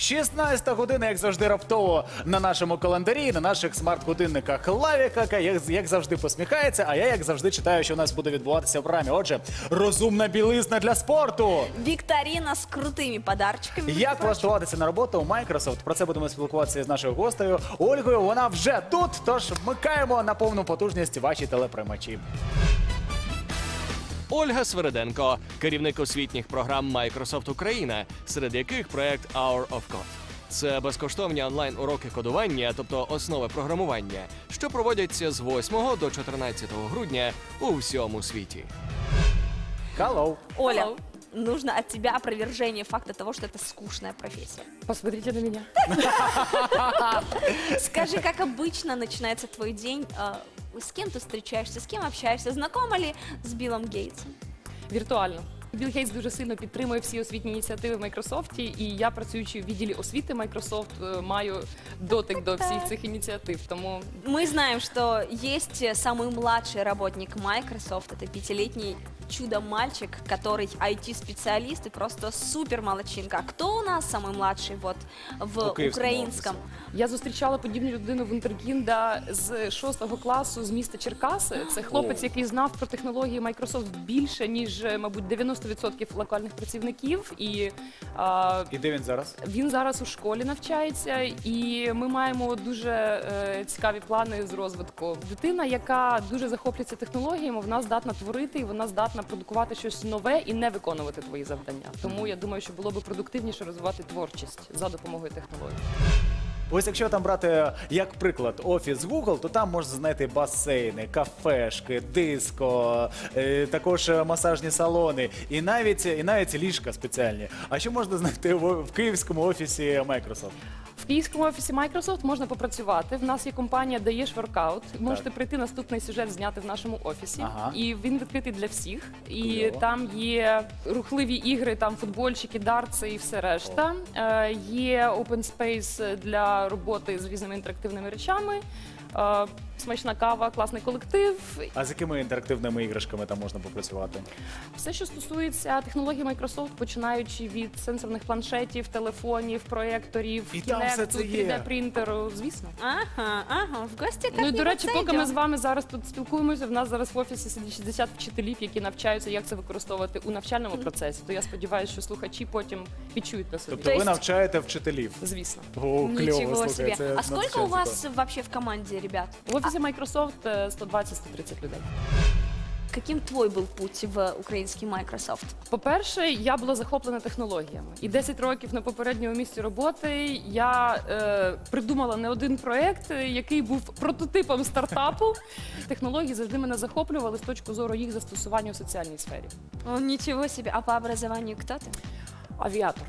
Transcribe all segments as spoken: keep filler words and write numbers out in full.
шістнадцята година, як завжди, раптово на нашому календарі, на наших смарт-годинниках. Лавіка, як, як завжди, посміхається, а я, як завжди, читаю, що у нас буде відбуватися в програмі. Отже, розумна білизна для спорту. Вікторина з крутими подарочками. Як влаштуватися на роботу у Microsoft? Про це будемо спілкуватися з нашою гостею Ольгою. Вона вже тут, тож вмикаємо на повну потужність ваші телеприймачі. Ольга Свериденко, керівник освітніх програм Microsoft Україна, серед яких проект Hour of Code. Це безкоштовні онлайн-уроки кодування, тобто основи програмування, що проводяться з восьмого до чотирнадцятого грудня у всьому світі. Hello. Оля, Hello. нужно от тебя опровержение факта того, что это скучная профессия. Посмотрите на меня. Скажи, как обычно начинается твой день? э, С кем ты встречаешься, с кем общаешься? Знакома ли с Биллом Гейтсом? Віртуально. Білл Гейтс дуже сильно підтримує всі освітні ініціативи в Майкрософті, і я, працюючи в відділі освіти Microsoft, маю дотик до всіх цих ініціатив. Тому Мы знаем, что есть самый младший работник Microsoft, это пятилетний чудо-мальчик, который ай ти-специалист и просто супер молодчинка. А кто у нас самый младший вот в У Київському украинском? я зустрічала подібну людину Вундеркінда з шостого класу з міста Черкаси. Це хлопець, О. який знав про технології Microsoft більше, ніж, мабуть, дев'яносто відсотків локальних працівників. І а, І де він зараз? він зараз у школі навчається, і ми маємо дуже е, цікаві плани з розвитку. Дитина, яка дуже захоплюється технологіями, вона здатна творити, і вона здатна продукувати щось нове і не виконувати твої завдання. Тому я думаю, що було би продуктивніше розвивати творчість за допомогою технологій. Ось якщо там брати, як приклад, офіс Google, то там можна знайти басейни, кафешки, диско, е, також масажні салони і навіть, і навіть ліжка спеціальні. А що можна знайти в, в київському офісі Microsoft? В київському офісі Microsoft можна попрацювати. В нас є компанія «Даєш воркаут». Можете прийти наступний сюжет зняти в нашому офісі. Ага. І він відкритий для всіх. І Кльово. там є рухливі ігри, там футбольчики, дартси і все решта. Е, є open space для роботи з різними інтерактивними речами. Е, смачна кава, класний колектив. А з якими інтерактивними іграшками там можна попрацювати? Все, що стосується технологій Microsoft, починаючи від сенсорних планшетів, телефонів, проєкторів, І там все кінекту, це є. три де-принтеру, звісно. Ага, ага, в гости Ну і, до речі, как-нибудь поки ми з зайдем. вами зараз тут спілкуємося, в нас зараз в офісі сидить шістдесят вчителів, які навчаються, як це використовувати у навчальному процесі. То я сподіваюся, що слухачі потім відчують на собі. Тобто То ви есть- навчаєте вчителів? Звісно. О, кльово, Ничего слухай, себе. це А сколько у надзвичайно вас цікаво. вообще в команде ребят? В офісі Microsoft е, сто двадцять - сто тридцять людей. Каким твой был путь в украинский Microsoft? По-перше, я була захоплена технологіями. І десять років на попередньому місці роботи я е, придумала не один проєкт, який був прототипом стартапу. Технології завжди мене захоплювали з точки зору їх застосування у соціальній сфері. О, ничего себе. А по образованию кто ты? Авіатор.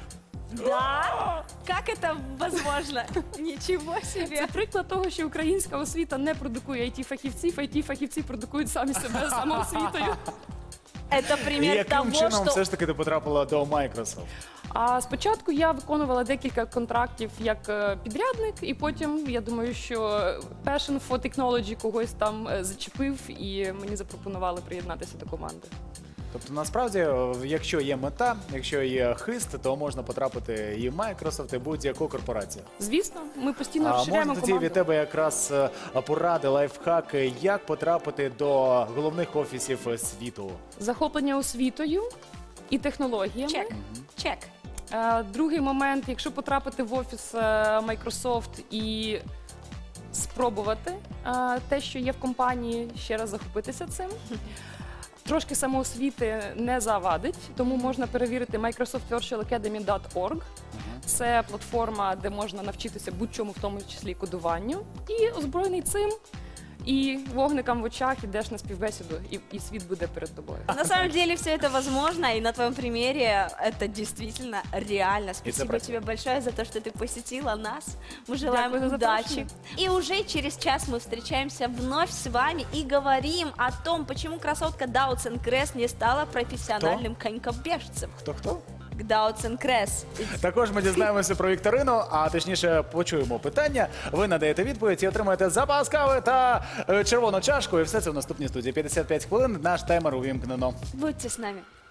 Да? Как это возможно? Ничего Це себе. приклад того, що українська освіта не продукує ай ті-фахівців, ай ті-фахівці продукують самі себе самоосвітою. Это І пример яким того, чином что... все ж таки ти потрапила до Microsoft? А спочатку я виконувала декілька контрактів як е, підрядник, і потім я думаю, що passion for technology когось там е, зачепив, і мені запропонували приєднатися до команди. Тобто, насправді, е, якщо є мета, якщо є хист, то можна потрапити і в Microsoft, і будь-яку корпорацію. Звісно, ми постійно А розширяємо можна тоді команду. від тебе якраз е, поради, лайфхаки, як потрапити до головних офісів е, світу? Захоплення освітою і технологіями. Чек. Чек. Е, Другий момент, якщо потрапити в офіс е, Microsoft і спробувати е, те, що є в компанії, ще раз захопитися цим. Трошки самоосвіти не завадить, тому можна перевірити Microsoft Virtual Academy крапка орг. Це платформа, де можна навчитися будь-чому, в тому числі і кодуванню. І озброєний цим, і вогникам в очах ідеш на співбесіду, і, і світ буде перед тобою. На самом деле все это возможно, и на твоем примере это действительно реально. Спасибо правда. тебе большое за то, что ты посетила нас. Мы желаем Дякую за удачи. запрошення. И уже через час мы встречаемся вновь с вами и говорим о том, почему красотка Даутсен Кресс не стала профессиональным конькобежцем. Хто-хто? Даутсен Кресс. Також ми дізнаємося про вікторину, а точніше почуємо питання. Ви надаєте відповідь і отримаєте запас кави та е, червону чашку. І все це в наступній студії. п'ятдесят п'ять хвилин. Наш таймер увімкнено. Будьте с нами.